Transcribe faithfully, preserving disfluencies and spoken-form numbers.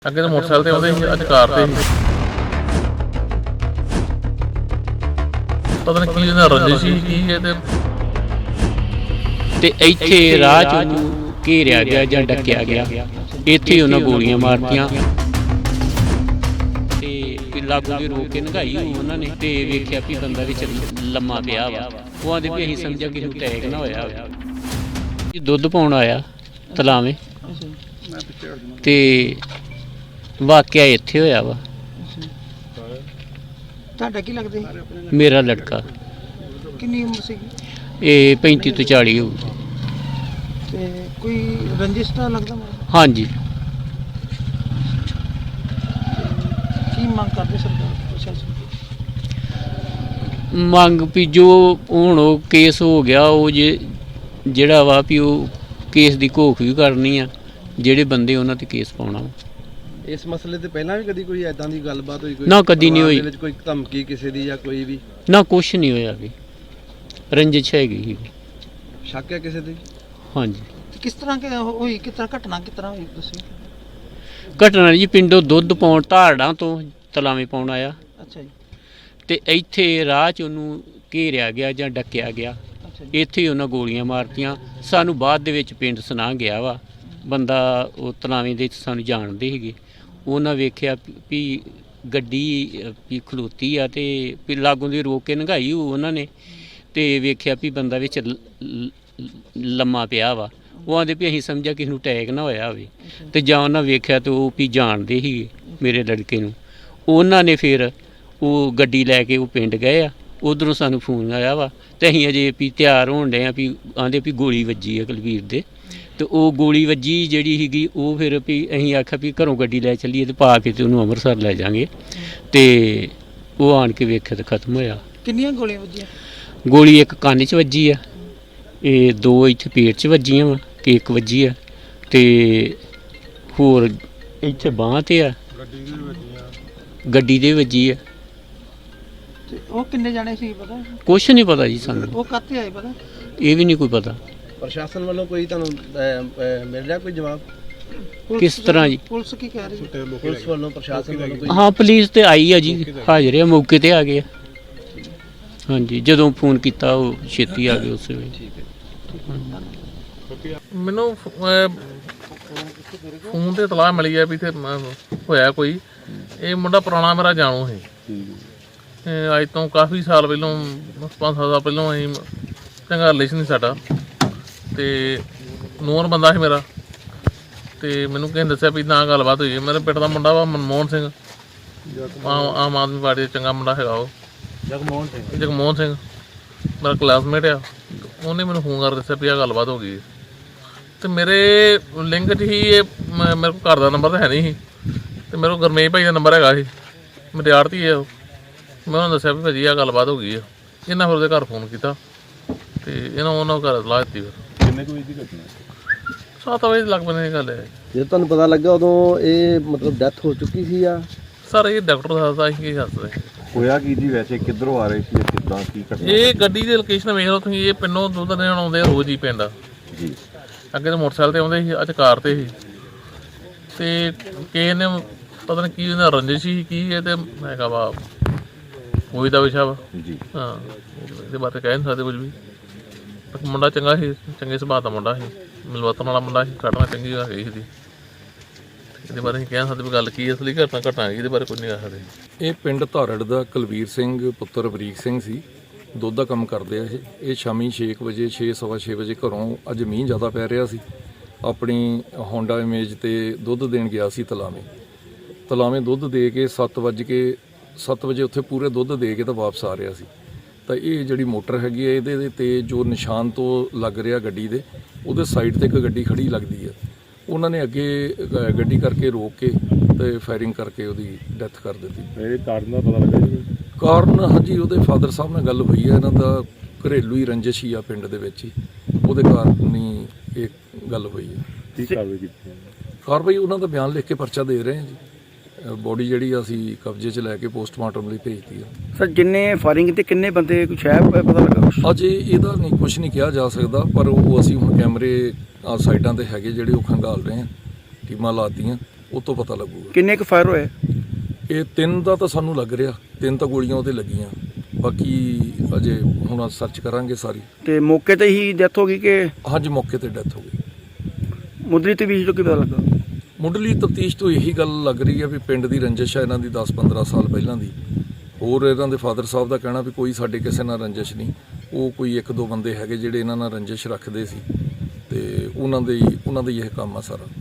ਅੱਗੇ ਤਾਂ ਮੋਟਰਸਾਈਕਲ ਤੇ ਆਉਂਦੇ ਸੀ, ਅੱਜ ਕਾਰ ਤੇ ਸੀ। ਪਤਾ ਨਹੀਂ ਕੀ ਇਹਨਾਂ ਰੰਜਿਸ਼ ਸੀ ਕੀ ਹੈ ਤੇ ਤੇ ਇੱਥੇ ਰਾਹ 'ਚ ਉਹਨੂੰ ਘੇਰਿਆ ਗਿਆ ਜਾਂ ਡੱਕਿਆ ਗਿਆ। ਇੱਥੇ ਉਹਨਾਂ ਗੋਲੀਆਂ ਮਾਰਤੀਆਂ ਤੇ ਲਾਗੂ ਦੇ ਰੋਕ ਕੇ ਨਗਾਈ ਉਹਨਾਂ ਨੇ ਤੇ ਵੇਖਿਆ ਵੀ ਬੰਦਾ ਵਿੱਚ ਲੰਮਾ ਪਿਆ ਵਾ। ਉਹ ਆਂਦੇ ਵੀ ਅਸੀਂ ਸਮਝਿਆ ਕਿਸੇ ਨੂੰ ਅਟੈਕ ਨਾ ਹੋਇਆ ਹੋਵੇ। ਦੁੱਧ ਪਾਉਣ ਆਇਆ ਤਲਾਵੇਂ ਤੇ ਵਾਕਿਆ ਇੱਥੇ ਹੋਇਆ ਵਾ। ਤੁਹਾਡਾ ਕੀ ਲੱਗਦਾ ਸੀ? ਮੇਰਾ ਲੜਕਾ ਕਿੰਨੀ ਉਮਰ ਸੀ? ਇਹ ਪੈਂਤੀ ਤੋਂ ਚਾਲੀ ਹੋਊ। ਤੇ ਕੋਈ ਰੰਜਿਸ਼ ਤਾਂ ਲੱਗਦਾ ਮੈਨੂੰ? ਹਾਂਜੀ। ਕੀ ਮੰਗ ਕਰਦੇ ਸਰਕਾਰ ਪ੍ਰਸ਼ਾਸਨ? ਮੰਗ ਵੀ ਜੋ ਹੁਣ ਉਹ ਕੇਸ ਹੋ ਗਿਆ ਉਹ ਜੇ ਜਿਹੜਾ ਵਾ ਵੀ ਉਹ ਕੇਸ ਦੀ ਘੋਖ ਵੀ ਕਰਨੀ ਆ, ਜਿਹੜੇ ਬੰਦੇ ਉਹਨਾਂ ਤੇ ਕੇਸ ਪਾਉਣਾ। ਇਸ ਮਸਲੇ ਤੇ ਪਹਿਲਾਂ ਵੀ ਕਦੀ ਕੋਈ ਐਦਾਂ ਦੀ ਗੱਲਬਾਤ ਹੋਈ? ਕੋਈ ਨਾ ਕਦੀ ਨਹੀਂ ਹੋਈ। ਵਿੱਚ ਕੋਈ ਧਮਕੀ ਕਿਸੇ ਦੀ ਜਾਂ ਕੋਈ ਵੀ? ਨਾ ਕੁਛ ਨਹੀਂ ਹੋਇਆ ਵੀ। ਰੰਜਿਸ਼ ਹੈਗੀ ਸੀ। ਸ਼ੱਕ ਹੈ ਕਿਸੇ ਦੀ? ਹਾਂਜੀ। ਕਿਸ ਤਰ੍ਹਾਂ ਕਿ ਹੋਈ, ਕਿਸ ਤਰ੍ਹਾਂ ਘਟਨਾ ਕਿਸ ਤਰ੍ਹਾਂ ਹੋਈ ਦੱਸੋ? ਘਟਨਾ ਜੀ ਪਿੰਡੋਂ ਦੁੱਧ ਪਾਉਣ ਧਾਰੜਾਂ ਤੋਂ ਤਲਾਵੇਂ ਪਾਉਣ ਆਇਆ ਅੱਛਾ ਜੀ। ਤੇ ਇੱਥੇ ਰਾਹ 'ਚ ਉਹਨੂੰ ਘੇਰਿਆ ਗਿਆ ਜਾਂ ਡੱਕਿਆ ਗਿਆ। ਅੱਛਾ ਜੀ। ਇੱਥੇ ਹੀ ਉਹਨਾਂ ਗੋਲੀਆਂ ਮਾਰਤੀਆਂ। ਸਾਨੂੰ ਬਾਅਦ ਦੇ ਵਿੱਚ ਪਿੰਡ ਸੁਣਾ ਗਿਆ ਵਾ ਬੰਦਾ, ਉਹ ਤਲਾਵੇਂ ਦੇ ਸਾਨੂੰ ਜਾਣਦੇ ਸੀਗੇ। ਉਹਨਾਂ ਵੇਖਿਆ ਵੀ ਗੱਡੀ ਵੀ ਖਲੋਤੀ ਆ ਤੇ ਵੀ ਲਾਗੋਂ ਦੀ ਰੋਕ ਕੇ ਨੰਗਾਈ ਉਹਨਾਂ ਨੇ ਤੇ ਵੇਖਿਆ ਵੀ ਬੰਦਾ ਵਿੱਚ ਲੰਮਾ ਪਿਆ ਵਾ। ਉਹ ਆਂਦੇ ਵੀ ਅਸੀਂ ਸਮਝਿਆ ਕਿਸੇ ਨੂੰ ਅਟੈਕ ਨਾ ਹੋਇਆ ਹੋਵੇ। ਤੇ ਜਾਂ ਉਹਨਾਂ ਵੇਖਿਆ ਤੇ ਉਹ ਵੀ ਜਾਣਦੇ ਸੀਗੇ ਮੇਰੇ ਲੜਕੇ ਨੂੰ। ਉਹਨਾਂ ਨੇ ਫਿਰ ਉਹ ਗੱਡੀ ਲੈ ਕੇ ਉਹ ਪਿੰਡ ਗਏ ਆ। ਉੱਧਰੋਂ ਸਾਨੂੰ ਫੋਨ ਆਇਆ ਵਾ ਤੇ ਅਸੀਂ ਅਜੇ ਵੀ ਤਿਆਰ ਹੋਣ ਡਏ ਆ ਵੀ ਆਂਦੇ ਵੀ ਗੋਲੀ ਵੱਜੀ ਆ ਕੁਲਵੀਰ ਦੇ। ਤੇ ਉਹ ਗੋਲੀ ਵੱਜੀ ਜਿਹੜੀ ਸੀਗੀ ਉਹ ਫਿਰ ਵੀ ਅਸੀਂ ਆਖਿਆ ਵੀ ਘਰੋਂ ਗੱਡੀ ਲੈ ਚੱਲੀਏ ਤੇ ਪਾ ਕੇ ਤੇ ਉਹਨੂੰ ਅੰਮ੍ਰਿਤਸਰ ਲੈ ਜਾਵਾਂਗੇ। ਤੇ ਉਹ ਆਣ ਕੇ ਵੇਖਿਆ ਤੇ ਖਤਮ ਹੋਇਆ। ਕਿੰਨੀਆਂ ਗੋਲੀਆਂ ਵੱਜੀਆਂ? ਗੋਲੀ ਇੱਕ ਕੰਨ 'ਚ ਵੱਜੀ ਆ, ਇਹ ਦੋ ਇੱਥੇ ਪੇਟ 'ਚ ਵੱਜੀਆਂ ਵਾ, ਕਿ ਇੱਕ ਵੱਜੀ ਆ ਤੇ ਹੋਰ ਇੱਥੇ ਬਾਂਹ 'ਤੇ ਆ, ਗੱਡੀ ਦੇ ਵੱਜੀ ਆ। ਤੇ ਉਹ ਕਿੰਨੇ ਜਾਣੇ ਸੀ ਪਤਾ? ਕੁਛ ਨਹੀਂ ਪਤਾ ਜੀ ਸਾਨੂੰ। ਉਹ ਕਾਹਤੇ ਆਏ ਪਤਾ? ਇਹ ਵੀ ਨਹੀਂ ਕੋਈ ਪਤਾ। ਪ੍ਰਸ਼ਾਸਨ ਵੱਲੋਂ ਕੋਈ ਤੁਹਾਨੂੰ ਅਹ, ਅਹ, ਮਿਲ ਰਿਹਾ ਕੋਈ ਜਵਾਬ? ਕਿਸ ਤਰ੍ਹਾਂ ਜੀ? ਪੁਲਿਸ ਕੀ ਕਹਿ ਰਹੀ ਹੈ? ਪੁਲਿਸ ਵੱਲੋਂ ਪ੍ਰਸ਼ਾਸਨ ਵੱਲੋਂ ਕੋਈ? ਹਾਂ ਪੁਲਿਸ ਤੇ ਆਈ ਆ ਜੀ, ਹਾਜ਼ਰ ਆ, ਮੌਕੇ ਤੇ ਆ ਗਏ ਆ। ਹਾਂਜੀ, ਜਦੋਂ ਫੋਨ ਕੀਤਾ ਉਹ ਛੇਤੀ ਆ ਗਏ ਉਸੇ ਵੇਲੇ। ਠੀਕ ਹੈ। ਮੈਨੂੰ ਫੋਨ ਤੇ ਇਤਲਾਹ ਮਿਲੀ ਹੈ ਵੀ ਇੱਥੇ ਹੋਇਆ ਕੋਈ। ਇਹ ਮੁੰਡਾ ਪੁਰਾਣਾ ਮੇਰਾ ਜਾਣੂ ਸੀ। ਅੱਜ ਤੋਂ ਕਾਫੀ ਸਾਲ ਪਹਿਲੋਂ, ਪੰਜ ਸੱਤ ਸਾਲ ਪਹਿਲੋਂ ਅਸੀਂ ਚੰਗਾ ਰਿਲੇਸ਼ਨ ਸੀ ਸਾਡਾ ਤੇ ਨੋਨ ਬੰਦਾ ਸੀ ਮੇਰਾ। ਤੇ ਮੈਨੂੰ ਕਿਸੇ ਨੇ ਦੱਸਿਆ ਵੀ ਨਾ ਗੱਲਬਾਤ ਹੋਈ ਹੈ। ਮੇਰੇ ਪਿੰਡ ਦਾ ਮੁੰਡਾ ਵਾ ਮਨਮੋਹਨ ਸਿੰਘ, ਆਮ ਆਮ ਆਦਮੀ ਪਾਰਟੀ ਦਾ ਚੰਗਾ ਮੁੰਡਾ ਹੈਗਾ ਉਹ। ਜਗਮੋਹਨ ਸਿੰਘ ਜਗਮੋਹਨ ਸਿੰਘ ਮੇਰਾ ਕਲਾਸਮੇਟ ਆ। ਉਹਨੇ ਮੈਨੂੰ ਫੋਨ ਕਰ ਦੱਸਿਆ ਵੀ ਆਹ ਗੱਲਬਾਤ ਹੋ ਗਈ। ਅਤੇ ਮੇਰੇ ਲਿੰਕ 'ਚ ਹੀ ਇਹ ਮੇਰੇ ਕੋਲ ਘਰ ਦਾ ਨੰਬਰ ਤਾਂ ਹੈ ਨਹੀਂ ਸੀ ਅਤੇ ਮੇਰੇ ਕੋਲ ਗੁਰਮੇਸ਼ ਭਾਈ ਦਾ ਨੰਬਰ ਹੈਗਾ ਸੀ। ਮੇਰੇ ਆੜ੍ਹਤੀ ਹੈ ਉਹ। ਮੈਂ ਉਹਨਾਂ ਨੂੰ ਦੱਸਿਆ ਵੀ ਭਾਜੀ ਆਹ ਗੱਲਬਾਤ ਹੋ ਗਈ ਆ। ਇਹਨਾਂ ਫਿਰ ਉਹਦੇ ਘਰ ਫੋਨ ਕੀਤਾ ਅਤੇ ਇਹਨਾਂ ਉਹਨਾਂ ਘਰ ਇਤਲਾਹ ਦਿੱਤੀ। ਫਿਰ ਕਿੰਨੇ ਕੁ ਵਜੇ ਦੀ ਘਟਨਾ? ਸੱਤ ਵਜੇ ਲੱਗ ਪੈਂਦੇ ਦੀ ਗੱਲ ਹੈ। ਜਦੋਂ ਤੁਹਾਨੂੰ ਪਤਾ ਲੱਗਾ ਉਦੋਂ ਇਹ ਮਤਲਬ ਡੈਥ ਹੋ ਚੁੱਕੀ ਸੀ ਆ? ਸਰ ਇਹ ਡਾਕਟਰ ਦੱਸਦਾ ਅਸੀਂ ਕੀ ਦੱਸਦੇ। ਹੋਇਆ ਕੀ ਜੀ? ਵੈਸੇ ਕਿੱਧਰੋਂ ਆ ਰਹੇ ਸੀ, ਕਿੱਦਾਂ ਕੀ ਘਟਨਾ? ਇਹ ਗੱਡੀ ਦੀ ਲੋਕੇਸ਼ਨ ਵੇਖ ਲਓ ਤੁਸੀਂ। ਇਹ ਪਿੰਡੋਂ ਦੁੱਧ ਦੇਣ ਆਉਂਦੇ ਆ ਰੋਜ਼ ਹੀ ਪਿੰਡ। ਜੀ। ਅੱਗੇ ਤਾਂ ਮੋਟਰਸਾਈਕਲ ਤੇ ਆਉਂਦੇ ਸੀ, ਅੱਜ ਕਾਰ ਤੇ ਸੀ। ਤੇ ਕਿਸੇ ਨੇ ਪਤਾ ਨਹੀਂ ਕੀ ਉਹਨਾਂ ਰੰਜਿਸ਼ ਸੀ ਕੀ ਇਹ ਤੇ ਹੈਗਾ ਵਾ ਉਹੀ ਦਾ ਵਿਸ਼ਾ ਵਾ ਜੀ। ਹਾਂ, ਇਹਦੇ ਬਾਰੇ ਕਹਿ ਨਹੀਂ ਸਕਦੇ ਕੁਝ ਵੀ। ਮੁੰਡਾ ਚੰਗਾ ਸੀ, ਚੰਗੇ ਸੁਭਾਅ ਦਾ ਮੁੰਡਾ ਸੀ, ਮਿਲਵਰਤਨ ਵਾਲਾ ਮੁੰਡਾ ਸੀ, ਘਟਨਾ ਚੰਗੀ ਹੋ ਗਈ ਸੀ। ਇਹਦੇ ਬਾਰੇ ਅਸੀਂ ਕਹਿ ਸਕਦੇ ਵੀ ਗੱਲ ਕੀ ਅਸਲੀ ਘਟਨਾ ਘਟਨਾ ਹੈਗੀ, ਇਹਦੇ ਬਾਰੇ ਕੁਝ ਨਹੀਂ ਕਹਿ ਸਕਦੇ। ਇਹ ਪਿੰਡ ਧਾਰੜ ਦਾ ਕੁਲਵੀਰ ਸਿੰਘ ਪੁੱਤਰ ਬਰੀਕ ਸਿੰਘ ਸੀ। ਦੁੱਧ ਦਾ ਕੰਮ ਕਰਦੇ ਆ ਇਹ। ਇਹ ਸ਼ਾਮੀ ਛੇ ਕੁ ਵਜੇ, ਛੇ ਸਵਾ ਛੇ ਵਜੇ ਘਰੋਂ, ਅੱਜ ਮੀਂਹ ਜ਼ਿਆਦਾ ਪੈ ਰਿਹਾ ਸੀ, ਆਪਣੀ ਹੋਂਡਾ ਇਮੇਜ ਤੇ ਦੁੱਧ ਦੇਣ ਗਿਆ ਸੀ ਤਲਾਵੇਂ। ਤਲਾਵੇਂ ਦੁੱਧ ਦੇ ਕੇ ਸੱਤ ਵੱਜ ਕੇ ਸੱਤ ਵਜੇ ਉੱਥੇ ਪੂਰੇ ਦੁੱਧ ਦੇ ਕੇ ਤਾਂ ਵਾਪਸ ਆ ਰਿਹਾ ਸੀ। ਤਾਂ ਇਹ ਜਿਹੜੀ ਮੋਟਰ ਹੈਗੀ ਹੈ ਇਹਦੇ 'ਤੇ ਜੋ ਨਿਸ਼ਾਨ ਤੋਂ ਲੱਗ ਰਿਹਾ ਗੱਡੀ ਦੇ, ਉਹਦੇ ਸਾਈਡ 'ਤੇ ਇੱਕ ਗੱਡੀ ਖੜੀ ਲੱਗਦੀ ਹੈ। ਉਹਨਾਂ ਨੇ ਅੱਗੇ ਗੱਡੀ ਕਰਕੇ ਰੋਕ ਕੇ ਤੇ ਫਾਇਰਿੰਗ ਕਰਕੇ ਉਹਦੀ ਡੈਥ ਕਰ ਦਿੱਤੀ। ਇਹ ਕਾਰਨ ਦਾ ਪਤਾ ਲੱਗਾ ਜੀ? ਕਾਰਨ ਹਾਂਜੀ ਉਹਦੇ ਫਾਦਰ ਸਾਹਿਬ ਨਾਲ ਗੱਲ ਹੋਈ ਹੈ। ਇਹਨਾਂ ਦਾ ਘਰੇਲੂ ਹੀ ਰੰਜਿਸ਼ ਹੀ ਆ ਪਿੰਡ ਦੇ ਵਿੱਚ ਹੀ, ਉਹਦੇ ਕਾਰਨ ਹੀ ਇਹ ਗੱਲ ਹੋਈ ਹੈ। ਕੀ ਕਾਰਵਾਈ ਕੀਤੀ? ਕਾਰਵਾਈ ਉਹਨਾਂ ਦਾ ਬਿਆਨ ਲਿਖ ਕੇ ਪਰਚਾ ਦੇ ਰਹੇ ਹਾਂ ਜੀ। ਬੋਡੀ ਜਿਹੜੀ ਅਸੀਂ ਕਬਜ਼ੇ 'ਚ ਲੈ ਕੇ ਪੋਸਟਮਾਰਟਮ ਲਈ ਭੇਜਤੀ ਆ। ਸਰ ਜਿੰਨੇ ਫਾਇਰਿੰਗ ਤੇ ਕਿੰਨੇ ਬੰਦੇ ਕੁਛ ਹੈ ਪਤਾ ਲੱਗਾ? ਅਜੇ ਇਹਦਾ ਨਹੀਂ ਕੁਝ ਨਹੀਂ ਕਿਹਾ ਜਾ ਸਕਦਾ, ਪਰ ਉਹ ਅਸੀਂ ਹੁਣ ਕੈਮਰੇ ਸਾਈਡਾਂ ਤੇ ਹੈਗੇ ਜਿਹੜੇ ਉਹ ਖੰਗਾਲ ਰਹੇ ਹਾਂ, ਟੀਮਾਂ ਲਾਤੀਆਂ ਉਹ ਤੋਂ ਪਤਾ ਲੱਗੂਗਾ। ਕਿੰਨੇ ਕੁ ਫਾਇਰ ਹੋਏ? ਇਹ ਤਿੰਨ ਦਾ ਤਾਂ ਸਾਨੂੰ ਲੱਗ ਰਿਹਾ, ਤਿੰਨ ਤਾਂ ਗੋਲੀਆਂ ਉਹਦੇ ਲੱਗੀਆਂ, ਬਾਕੀ ਅਜੇ ਹੁਣ ਸਰਚ ਕਰਾਂਗੇ ਸਾਰੀ। ਤੇ ਮੌਕੇ ਤੇ ਹੀ ਡੈਥ ਹੋ ਗਈ ਕਿ ਹਾਂਜੀ ਮੌਕੇ ਤੇ ਡੈਥ ਹੋ ਗਈ। ਮੁੱਢਲੀ ਤਫਤੀਸ਼ ਤੋਂ ਕੀ ਪਤਾ ਲੱਗਾ? ਮੁੱਢਲੀ ਤਫਤੀਸ਼ ਤੋਂ ਇਹੀ ਗੱਲ ਲੱਗ ਰਹੀ ਹੈ ਵੀ ਪਿੰਡ ਦੀ ਰੰਜਿਸ਼ ਹੈ ਇਹਨਾਂ ਦੀ ਦਸ ਪੰਦਰਾਂ ਸਾਲ ਪਹਿਲਾਂ ਦੀ। ਹੋਰ ਇਹਨਾਂ ਦੇ ਫਾਦਰ ਸਾਹਿਬ ਦਾ ਕਹਿਣਾ ਵੀ ਕੋਈ ਸਾਡੇ ਕਿਸੇ ਨਾਲ ਰੰਜਿਸ਼ ਨਹੀਂ, ਉਹ ਕੋਈ ਇੱਕ ਦੋ ਬੰਦੇ ਹੈਗੇ ਜਿਹੜੇ ਇਹਨਾਂ ਨਾਲ ਰੰਜਿਸ਼ ਰੱਖਦੇ ਸੀ ਤੇ ਉਹਨਾਂ ਦੇ ਉਹਨਾਂ ਦਾ ਹੀ ਇਹ ਕੰਮ ਆ ਸਾਰਾ।